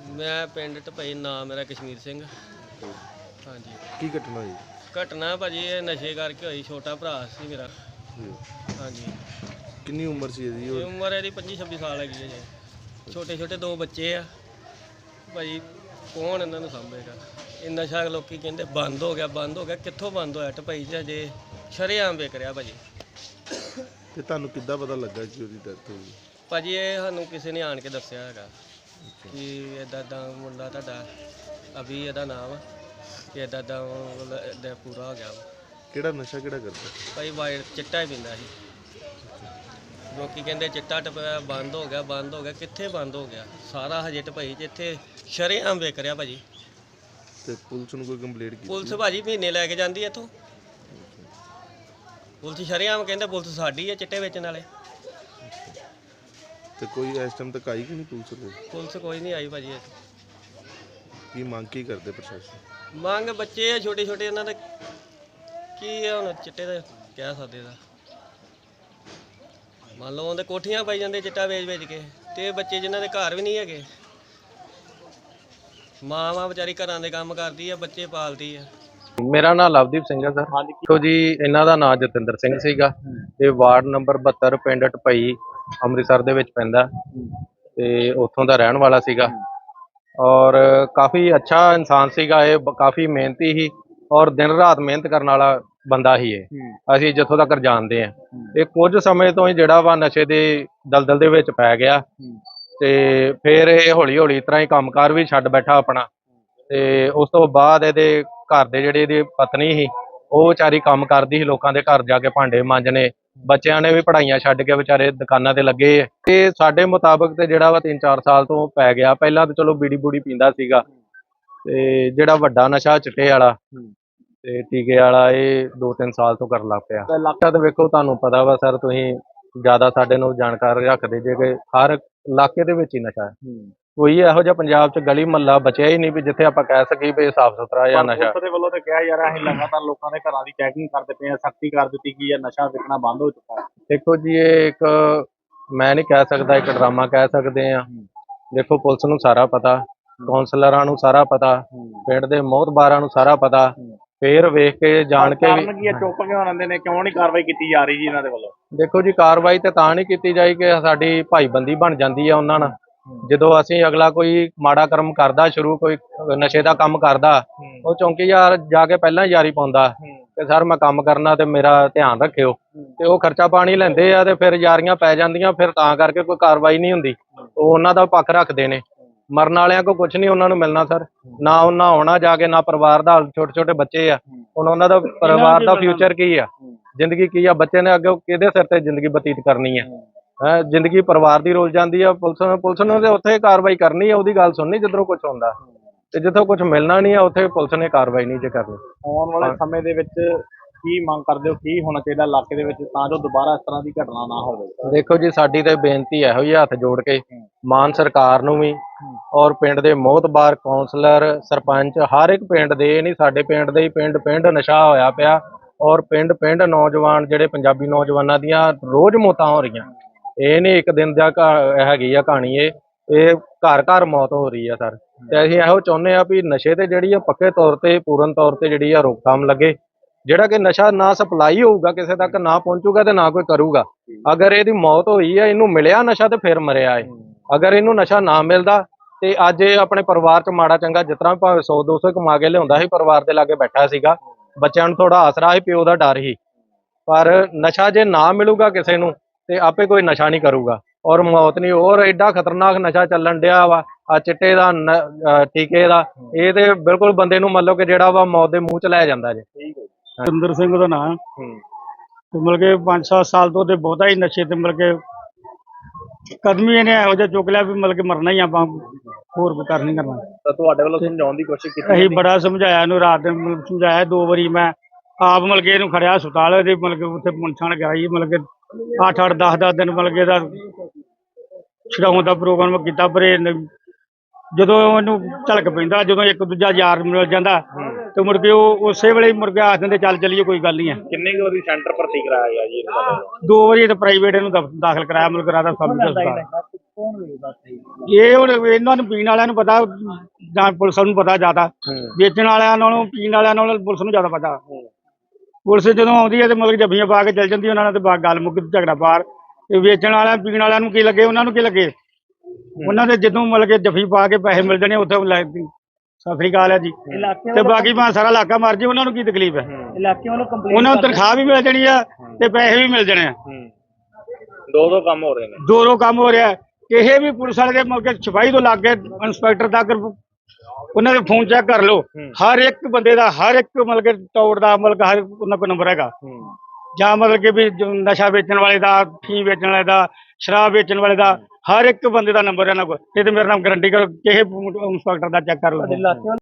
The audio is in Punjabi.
ਮੈਂ ਪਿੰਡ ਢਪਈ, ਨਾਮ ਮੇਰਾ ਕਸ਼ਮੀਰ ਸਿੰਘ। ਹਾਂਜੀ। ਕੀ ਘਟਨਾ ਹੋਈ? ਘਟਨਾ ਭਾਜੀ ਇਹ ਨਸ਼ੇ ਕਰਕੇ ਹੋਈ। ਛੋਟਾ ਭਰਾ ਸੀ ਮੇਰਾ। ਜੀ। ਹਾਂਜੀ। ਕਿੰਨੀ ਉਮਰ ਸੀ ਇਹਦੀ? ਇਹ ਉਮਰ ਇਹਦੀ 25-26 ਸਾਲ ਹੈਗੀ ਹੈ ਜੀ। ਛੋਟੇ ਛੋਟੇ ਦੋ ਬੱਚੇ ਆ ਭਾਜੀ। ਕੌਣ ਇਹਨਾਂ ਨੂੰ ਸਾਂਭੇਗਾ? ਇਹ ਨਸ਼ਾ ਲੋਕੀ ਕਹਿੰਦੇ ਬੰਦ ਹੋ ਗਿਆ, ਬੰਦ ਹੋ ਗਿਆ। ਕਿੱਥੋਂ ਬੰਦ ਹੋਇਆ? ਢਪਈ 'ਚ ਅਜੇ ਸ਼ਰੇਆਮ ਵਿਕ ਰਿਹਾ ਭਾਜੀ। ਤੇ ਤੁਹਾਨੂੰ ਕਿੱਦਾਂ ਪਤਾ ਲੱਗਾ ਕਿ ਉਹਦੀ ਡੈਥ ਹੋ ਗਈ? ਭਾਜੀ ਇਹ ਸਾਨੂੰ ਕਿਸੇ ਨੇ ਆਣ ਕੇ ਦੱਸਿਆ ਹੈਗਾ ਕਿ ਇੱਦਾਂ ਮੁੰਡਾ ਤੁਹਾਡਾ ਅਭੀ ਇਹਦਾ ਨਾਮ ਕਿ ਇੱਦਾਂ ਪੂਰਾ ਹੋ ਗਿਆ। ਕਿਹੜਾ ਨਸ਼ਾ ਕਿਹੜਾ ਕਰਦਾ? ਭਾਈ ਵਾਈਟ ਚਿੱਟਾ ਹੀ ਪੀਂਦਾ ਸੀ। ਲੋਕੀ ਕਹਿੰਦੇ ਚਿੱਟਾ ਟਪਿਆ ਬੰਦ ਹੋ ਗਿਆ, ਬੰਦ ਹੋ ਗਿਆ। ਕਿੱਥੇ ਬੰਦ ਹੋ ਗਿਆ? ਸਾਰਾ ਹਜੇ ਢਪਈ 'ਚ ਇੱਥੇ ਸ਼ਰੇਆਮ ਵਿਕ ਰਿਹਾ ਭਾਜੀ। ਤੇ ਪੁਲਿਸ ਨੂੰ ਕੋਈ ਕੰਪਲੇਂਟ ਕੀਤੀ? ਪੁਲਿਸ ਭਾਜੀ ਮਹੀਨੇ ਲੈ ਕੇ ਜਾਂਦੀ ਇੱਥੋਂ। ਪੁਲਿਸ ਸ਼ਰੇਆਮ ਕਹਿੰਦੇ ਪੁਲਿਸ ਸਾਡੀ ਹੈ ਚਿੱਟੇ ਵੇਚਣ ਵਾਲੇ। ਤੇ ਕੋਈ ਇਸ ਟਾਈਮ ਤੱਕ ਆਈ ਕਿ ਨਹੀਂ ਪੁਲਿਸ ਕੋਲ? ਪੁਲਿਸ ਕੋਈ ਨਹੀਂ ਆਈ ਭਾਜੀ। ਕੀ ਮੰਗ ਕੀ ਕਰਦੇ ਪ੍ਰਸ਼ਾਸਨ? ਮੰਗ ਬੱਚੇ ਆ ਛੋਟੇ ਛੋਟੇ, ਇਹਨਾਂ ਦਾ ਕੀ ਆ ਹੁਣ ਚਿੱਟੇ ਦਾ ਕਹਿ ਸਕਦੇ ਦਾ। ਮੰਨ ਲਓ ਉਹਦੇ ਕੋਠੀਆਂ ਪਾਈ ਜਾਂਦੇ ਚਿੱਟਾ ਵੇਚ ਵੇਚ ਕੇ, ਤੇ ਬੱਚੇ ਜਿਨ੍ਹਾਂ ਦੇ ਘਰ ਵੀ ਨਹੀਂ ਹੈਗੇ। ਮਾਂ ਵਿਚਾਰੀ ਘਰਾਂ ਦੇ ਕੰਮ ਕਰਦੀ ਆ, ਬੱਚੇ ਪਾਲਦੀ ਆ। ਮੇਰਾ ਨਾਮ ਲਵਦੀਪ ਸਿੰਘ ਹੈ ਸਰ। ਦੇਖੋ ਜੀ, ਇਹਨਾਂ ਦਾ ਨਾਮ ਜਤਿੰਦਰ ਸਿੰਘ ਸੀਗਾ। ਇਹ ਵਾਰਡ ਨੰਬਰ 72 ਪਿੰਡ ਢਪਈ ਅੰਮ੍ਰਿਤਸਰ ਦੇ ਵਿੱਚ ਪੈਂਦਾ ਤੇ ਉੱਥੋਂ ਦਾ ਰਹਿਣ ਵਾਲਾ ਸੀਗਾ ਔਰ ਕਾਫੀ ਅੱਛਾ ਇਨਸਾਨ ਸੀਗਾ। ਇਹ ਕਾਫੀ ਮਿਹਨਤੀ ਸੀ ਔਰ ਦਿਨ ਰਾਤ ਮਿਹਨਤ ਕਰਨ ਵਾਲਾ ਬੰਦਾ ਹੀ ਇਹ ਅਸੀਂ ਜਿੱਥੋਂ ਤੱਕ ਜਾਣਦੇ ਹਾਂ। ਇਹ ਕੁਝ ਸਮੇਂ ਤੋਂ ਹੀ ਜਿਹੜਾ ਵਾ ਨਸ਼ੇ ਦੇ ਦਲਦਲ ਦੇ ਵਿੱਚ ਪੈ ਗਿਆ ਤੇ ਫਿਰ ਇਹ ਹੌਲੀ ਹੌਲੀ ਇਸ ਤਰ੍ਹਾਂ ਹੀ ਕੰਮਕਾਰ ਵੀ ਛੱਡ ਬੈਠਾ ਆਪਣਾ। ਤੇ ਉਸ ਤੋਂ ਬਾਅਦ ਇਹਦੇ ਘਰ ਦੇ ਜਿਹੜੇ ਇਹਦੀ ਪਤਨੀ ਸੀ ਉਹ ਵਿਚਾਰੀ ਕੰਮ ਕਰਦੀ ਸੀ, ਲੋਕਾਂ ਦੇ ਘਰ ਜਾ ਕੇ ਭਾਂਡੇ ਮਾਂਜਣੇ। ਬੱਚਿਆਂ ਨੇ ਵੀ ਪੜ੍ਹਾਈਆਂ ਛੱਡ ਕੇ ਵਿਚਾਰੇ ਦੁਕਾਨਾਂ ਤੇ ਲੱਗੇ। ਤੇ ਸਾਡੇ ਮੁਤਾਬਕ ਤੇ ਜਿਹੜਾ ਵਾ 3-4 ਸਾਲ ਤੋਂ ਪੈ ਗਿਆ। ਪਹਿਲਾਂ ਤਾਂ ਚਲੋ ਬੀੜੀ ਬੂੜੀ ਪੀਂਦਾ ਸੀਗਾ ਤੇ ਜਿਹੜਾ ਵੱਡਾ ਨਸ਼ਾ ਚਿੱਟੇ ਵਾਲਾ ਤੇ ਟੀਕੇ ਵਾਲਾ ਇਹ 2-3 ਸਾਲ ਤੋਂ ਕਰਨ ਲੱਗ ਪਿਆ। ਇਲਾਕਾ ਤੇ ਵੇਖੋ, ਤੁਹਾਨੂੰ ਪਤਾ ਵਾ ਸਰ, ਤੁਸੀਂ ਜ਼ਿਆਦਾ ਸਾਡੇ ਨੂੰ ਜਾਣਕਾਰੀ ਰੱਖਦੇ ਜੇ ਕਿ ਹਰ ਇਲਾਕੇ ਦੇ ਵਿੱਚ ਹੀ ਨਸ਼ਾ ਹੈ। ਕੋਈ ਇਹੋ ਜਿਹਾ ਪੰਜਾਬ 'ਚ ਗਲੀ ਮਹੱਲਾ ਬਚਿਆ ਹੀ ਨਹੀਂ ਵੀ ਜਿੱਥੇ ਆਪਾਂ ਕਹਿ ਸਕੀਏ ਵੀ ਸਾਫ਼ ਸੁਥਰਾ ਜਾਂ ਨਸ਼ਾ। ਪੁਲਿਸ ਦੇ ਵੱਲੋਂ ਤਾਂ ਕਿਹਾ ਯਾਰ ਅਸੀਂ ਲਗਾਤਾਰ ਲੋਕਾਂ ਦੇ ਘਰਾਂ ਦੀ ਚੈਕਿੰਗ ਕਰਦੇ ਪਏ ਆ, ਸਖਤੀ ਕਰ ਦਿੱਤੀ ਗਈ ਹੈ, ਨਸ਼ਾ ਵਿਕਣਾ ਬੰਦ ਹੋ ਚੁੱਕਾ ਹੈ। ਦੇਖੋ ਜੀ, ਇਹ ਇੱਕ ਮੈਂ ਨਹੀਂ ਕਹਿ ਸਕਦਾ, ਇੱਕ ਡਰਾਮਾ ਕਹਿ ਸਕਦੇ ਆ। ਦੇਖੋ, ਪੁਲਿਸ ਨੂੰ ਸਾਰਾ ਪਤਾ, ਕੌਂਸਲਰਾਂ ਨੂੰ ਸਾਰਾ ਪਤਾ, ਪਿੰਡ ਦੇ ਮੋਹਤਬਾਰਾਂ ਨੂੰ ਸਾਰਾ ਪਤਾ, ਫੇਰ ਵੇਖ ਕੇ ਜਾਣ ਕੇ ਵੀ ਕੀ ਚੁੱਪ ਕਿਉਂ ਰਹਿੰਦੇ ਨੇ? ਕਿਉਂ ਨਹੀਂ ਕਾਰਵਾਈ ਕੀਤੀ ਜਾ ਰਹੀ ਜੀ ਇਹਨਾਂ ਦੇ ਵੱਲੋਂ? ਦੇਖੋ ਜੀ, ਕਾਰਵਾਈ ਤੇ ਤਾਂ ਨਹੀਂ ਕੀਤੀ ਜਾਈ ਕਿ ਸਾਡੀ ਭਾਈਬੰਦੀ ਬਣ ਜਾਂਦੀ ਆ ਉਹਨਾਂ ਨਾਲ। ਜਦੋਂ ਅਸੀਂ ਅਗਲਾ ਕੋਈ ਮਾੜਾ ਕਰਮ ਕਰਦਾ, ਸ਼ੁਰੂ ਕੋਈ ਨਸ਼ੇ ਦਾ ਕੰਮ ਕਰਦਾ, ਉਹ ਚੌਂਕੀਦਾਰ ਜਾ ਕੇ ਪਹਿਲਾਂ ਯਾਰੀ ਪਾਉਂਦਾ ਕਿ ਸਰ ਮੈਂ ਕੰਮ ਕਰਨਾ ਤੇ ਮੇਰਾ ਧਿਆਨ ਰੱਖਿਓ, ਤੇ ਉਹ ਖਰਚਾ ਪਾਣੀ ਲੈਂਦੇ ਆ ਤੇ ਫਿਰ ਯਾਰੀਆਂ ਪੈ ਜਾਂਦੀਆਂ। ਫਿਰ ਤਾਂ ਕਰਕੇ ਕੋਈ ਕਾਰਵਾਈ ਨਹੀਂ ਹੁੰਦੀ। ਉਹ ਉਹਨਾਂ ਦਾ ਪੱਖ ਰੱਖਦੇ ਨੇ। ਮਰਨ ਵਾਲਿਆਂ ਕੋ ਕੁਝ ਨਹੀਂ ਉਹਨਾਂ ਨੂੰ ਮਿਲਣਾ ਸਰ, ਨਾ ਉਹਨਾਂ ਆਉਣਾ ਜਾ ਕੇ, ਨਾ ਪਰਿਵਾਰ ਦਾ। ਛੋਟੇ ਛੋਟੇ ਬੱਚੇ ਆ, ਹੁਣ ਉਹਨਾਂ ਦਾ ਪਰਿਵਾਰ ਦਾ ਫਿਊਚਰ ਕੀ ਆ, ਜ਼ਿੰਦਗੀ ਕੀ ਆ? ਬੱਚੇ ਨੇ ਅੱਗੇ ਕਿਹਦੇ ਸਿਰ ਤੇ ਜ਼ਿੰਦਗੀ ਬਤੀਤ ਕਰਨੀ ਆ? ਜ਼ਿੰਦਗੀ ਪਰਿਵਾਰ ਦੀ ਰੁਲ ਜਾਂਦੀ ਆ। ਪੁਲਿਸ ਨੂੰ ਤੇ ਉੱਥੇ ਕਾਰਵਾਈ ਕਰਨੀ ਆ, ਉਹਦੀ ਗੱਲ ਸੁਣਨੀ ਜਿੱਧਰੋਂ ਕੁਝ ਹੁੰਦਾ, ਤੇ ਜਿੱਥੋਂ ਕੁਝ ਮਿਲਣਾ ਨਹੀਂ ਆ ਉੱਥੇ ਪੁਲਿਸ ਨੇ ਕਾਰਵਾਈ ਨਹੀਂ ਜੇ ਕਰਨੀ। ਆਉਣ ਵਾਲੇ ਸਮੇਂ ਦੇ ਵਿੱਚ ਕੀ ਮੰਗ ਕਰਦੇ ਹੋ, ਕੀ ਹੋਣਾ ਚਾਹੀਦਾ ਇਲਾਕੇ ਦੇ ਵਿੱਚ ਤਾਂ ਜੋ ਦੁਬਾਰਾ ਇਸ ਤਰ੍ਹਾਂ ਦੀ ਘਟਨਾ ਨਾ ਹੋਵੇ? ਦੇਖੋ ਜੀ, ਸਾਡੀ ਤੇ ਬੇਨਤੀ ਇਹੋ ਹੀ ਹੱਥ ਜੋੜ ਕੇ ਮਾਨ ਸਰਕਾਰ ਨੂੰ ਵੀ ਔਰ ਪਿੰਡ ਦੇ ਮੋਹਤਬਾਰ ਕੌਂਸਲਰ, ਸਰਪੰਚ, ਹਰ ਇੱਕ ਪਿੰਡ ਦੇ, ਨਹੀਂ ਸਾਡੇ ਪਿੰਡ ਦੇ ਹੀ ਪਿੰਡ ਨਸ਼ਾ ਹੋਇਆ ਪਿਆ ਔਰ ਪਿੰਡ ਨੌਜਵਾਨ ਜਿਹੜੇ ਪੰਜਾਬੀ ਨੌਜਵਾਨਾਂ ਦੀਆਂ ਰੋਜ਼ ਮੌਤਾਂ ਹੋ ਰਹੀਆਂ। ਇਹ ਨਹੀਂ ਇੱਕ ਦਿਨ ਦਾ ਹੈਗੀ ਆ ਕਹਾਣੀ, ਇਹ ਘਰ ਘਰ ਮੌਤ ਹੋ ਰਹੀ ਆ ਸਰ। ਤੇ ਅਸੀਂ ਇਹੋ ਚਾਹੁੰਦੇ ਆ ਵੀ ਨਸ਼ੇ ਤੇ ਜਿਹੜੀ ਆ ਪੱਕੇ ਤੌਰ ਤੇ, ਪੂਰਨ ਤੌਰ ਤੇ ਜਿਹੜੀ ਆ ਰੋਕਥਾਮ ਲੱਗੇ। ਜਿਹੜਾ ਕਿ ਨਸ਼ਾ ਨਾ ਸਪਲਾਈ ਹੋਊਗਾ, ਕਿਸੇ ਤੱਕ ਨਾ ਪਹੁੰਚੂਗਾ ਤੇ ਨਾ ਕੋਈ ਕਰੂਗਾ। ਅਗਰ ਇਹਦੀ ਮੌਤ ਹੋਈ ਆ, ਇਹਨੂੰ ਮਿਲਿਆ ਨਸ਼ਾ ਤੇ ਫਿਰ ਮਰਿਆ ਏ। ਅਗਰ ਇਹਨੂੰ ਨਸ਼ਾ ਨਾ ਮਿਲਦਾ ਤੇ ਅੱਜ ਇਹ ਆਪਣੇ ਪਰਿਵਾਰ 'ਚ ਮਾੜਾ ਚੰਗਾ ਜਿਸ ਤਰ੍ਹਾਂ ਭਾਵੇਂ 100-200 ਕਮਾ ਕੇ ਲਿਆਉਂਦਾ ਸੀ, ਪਰਿਵਾਰ ਦੇ ਲਾਗੇ ਬੈਠਾ ਸੀਗਾ, ਬੱਚਿਆਂ ਨੂੰ ਥੋੜਾ ਆਸਰਾ ਸੀ, ਪਿਓ ਦਾ ਡਰ ਸੀ। ਪਰ ਨਸ਼ਾ ਜੇ ਨਾ ਮਿਲੂਗਾ ਕਿਸੇ ਨੂੰ ਤੇ ਆਪੇ ਕੋਈ ਨਸ਼ਾ ਨਹੀਂ ਕਰੂਗਾ ਔਰ ਮੌਤ ਨਹੀਂ। ਔਰ ਐਡਾ ਖਤਰਨਾਕ ਨਸ਼ਾ ਚੱਲਣ ਡਿਆ ਵਾ ਆ ਚਿੱਟੇ ਦਾ, ਟੀਕੇ ਦਾ। ਇਹ ਤੇ ਬਿਲਕੁਲ ਬੰਦੇ ਨੂੰ ਮੰਨ ਲਓ ਕਿ ਜਿਹੜਾ ਵਾ ਮੌਤ ਦੇ ਮੂੰਹ 'ਚ ਲੈ ਜਾਂਦਾ ਜੇ। ਜਤਿੰਦਰ ਸਿੰਘ ਦਾ ਨਾਮ ਤੇ ਮਤਲਬ ਕਿ 5-7 ਸਾਲ ਤੋਂ ਤੇ ਬਹੁਤਾ ਹੀ ਨਸ਼ੇ ਤੇ ਮਤਲਬ ਕਿ ਕਦਮ ਹੀ ਇਹਨੇ ਇਹੋ ਜਿਹਾ ਚੁੱਕ ਲਿਆ ਵੀ ਮਤਲਬ ਕਿ ਮਰਨਾ ਹੀ ਆਪਾਂ, ਹੋਰ ਕੋਈ ਕਰ ਨਹੀਂ ਕਰਨਾ। ਤਾਂ ਤੁਹਾਡੇ ਵੱਲੋਂ ਸਮਝਾਉਣ ਦੀ ਕੋਸ਼ਿਸ਼ ਕੀਤੀ? ਅਸੀਂ ਬੜਾ ਸਮਝਾਇਆ ਇਹਨੂੰ, ਰਾਤ ਦਿਨ ਮਤਲਬ ਸਮਝਾਇਆ 2 ਵਾਰੀ। ਮੈਂ ਆਪ ਮਤਲਬ ਕਿ ਇਹਨੂੰ ਖੜਿਆ ਹਸਪਤਾਲ ਦੇ, ਮਤਲਬ ਕਿ ਉੱਥੇ ਪੁੰਛਣ ਗਿਆ ਜੀ, ਮਤਲਬ ਕਿ 8-8 10-10 ਦਿਨ ਮਤਲਬ ਕਿ ਇਹਦਾ ਛਡਾਉਣ ਦਾ ਪ੍ਰੋਗਰਾਮ ਕੀਤਾ। ਪਰ ਜਦੋਂ ਇਹਨੂੰ ਝਲਕ ਪੈਂਦਾ, ਜਦੋਂ ਇੱਕ ਦੂਜਾ ਯਾਰ ਮਿਲ ਜਾਂਦਾ ਤੇ ਮੁੜ ਕੇ ਉਹ ਉਸੇ ਵੇਲੇ ਮੁੜ ਕੇ ਆਖ ਦਿੰਦੇ ਚੱਲ ਚੱਲੀਏ, ਕੋਈ ਗੱਲ ਨਹੀਂ ਹੈ। ਕਿੰਨੇ ਕੁ ਵਾਰੀ ਸੈਂਟਰ ਭਰਤੀ ਕਰਾਇਆ ਗਿਆ ਜੀ? 2 ਵਾਰੀ ਤਾਂ ਪ੍ਰਾਈਵੇਟ ਇਹਨੂੰ ਦਾਖਲ ਕਰਾਇਆ, ਮਤਲਬ ਰਾਧਾ ਸਵਾਮੀ ਹਸਪਤਾਲ। ਕੌਣ ਵੇਚਦਾ ਸੀ? ਇਹ ਹੁਣ ਇਹਨਾਂ ਨੂੰ ਪੀਣ ਵਾਲਿਆਂ ਨੂੰ ਪਤਾ, ਜਾਂ ਪੁਲਿਸ ਨੂੰ ਪਤਾ ਜ਼ਿਆਦਾ। ਵੇਚਣ ਵਾਲਿਆਂ ਨਾਲੋਂ ਪੀਣ ਵਾਲਿਆਂ ਨਾਲੋਂ ਪੁਲਿਸ ਨੂੰ ਜ਼ਿਆਦਾ ਪਤਾ। ਪੁਲਿਸ ਜਦੋਂ ਆਉਂਦੀ ਹੈ ਤੇ ਮਤਲਬ ਜੱਫੀਆਂ ਪਾ ਕੇ ਚਲ ਜਾਂਦੀ ਉਹਨਾਂ ਨਾਲ, ਤੇ ਗੱਲ ਮੁੱਕ ਝਗੜਾ ਪਾਰ। ਤੇ ਵੇਚਣ ਵਾਲਿਆਂ ਪੀਣ ਵਾਲਿਆਂ ਨੂੰ ਕੀ ਲੱਗੇ, ਉਹਨਾਂ ਨੂੰ ਕੀ ਲੱਗੇ? ਉਹਨਾਂ ਦੇ ਜਦੋਂ ਮਤਲਬ ਕਿ ਜੱਫੀ ਪਾ ਕੇ ਪੈਸੇ ਮਿਲ ਜਾਣੇ ਉੱਥੇ ਸਤਿ ਸ੍ਰੀ ਅਕਾਲ ਹੈ ਜੀ। ਤੇ ਬਾਕੀ ਭਾਵੇਂ ਸਾਰਾ ਇਲਾਕਾ ਮਰ ਜੇ, ਉਹਨਾਂ ਨੂੰ ਕੀ ਤਕਲੀਫ ਹੈ? ਇਲਾਕੇ ਵੱਲੋਂ ਕੰਪਲੇਂਟ ਉਹਨਾਂ ਨੂੰ ਤਨਖਾਹ ਵੀ ਮਿਲ ਜਾਣੀ ਆ ਤੇ ਪੈਸੇ ਵੀ ਮਿਲ ਜਾਣੇ ਆ। ਦੋ ਕੰਮ ਹੋ ਰਹੇ ਨੇ। ਦੋ ਕੰਮ ਹੋ ਰਿਹਾ। ਕਿਸੇ ਵੀ ਪੁਲਿਸ ਵਾਲੇ ਦੇ ਮਤਲਬ ਕਿ ਸਿਪਾਹੀ ਤੋਂ ਲੱਗ ਕੇ ਇੰਸਪੈਕਟਰ ਤੱਕ ਉਹਨਾਂ ਦੇ ਫੋਨ ਚੈੱਕ ਕਰ ਲਓ, ਹਰ ਇੱਕ ਬੰਦੇ ਦਾ, ਹਰ ਇੱਕ ਮਤਲਬ ਕਿ ਟੌੜ ਦਾ ਮਤਲਬ ਹਰ ਉਹਨਾਂ ਕੋਲ ਨੰਬਰ ਹੈਗਾ। ਜਾਂ ਮਤਲਬ ਕਿ ਵੀ ਨਸ਼ਾ ਵੇਚਣ ਵਾਲੇ ਦਾ, ਫੀਮ ਵੇਚਣ ਵਾਲੇ ਦਾ, ਸ਼ਰਾਬ ਵੇਚਣ ਵਾਲੇ ਦਾ, ਹਰ ਇੱਕ ਬੰਦੇ ਦਾ ਨੰਬਰ ਇਹਨਾਂ ਕੋਲ। ਇਹ ਤੇ ਮੇਰਾ ਨਾਮ ਗਰੰਟੀ ਕਰੋ, ਕਿਸੇ ਇੰਸਪੈਕਟਰ ਦਾ ਚੈੱਕ ਕਰ ਲਓ।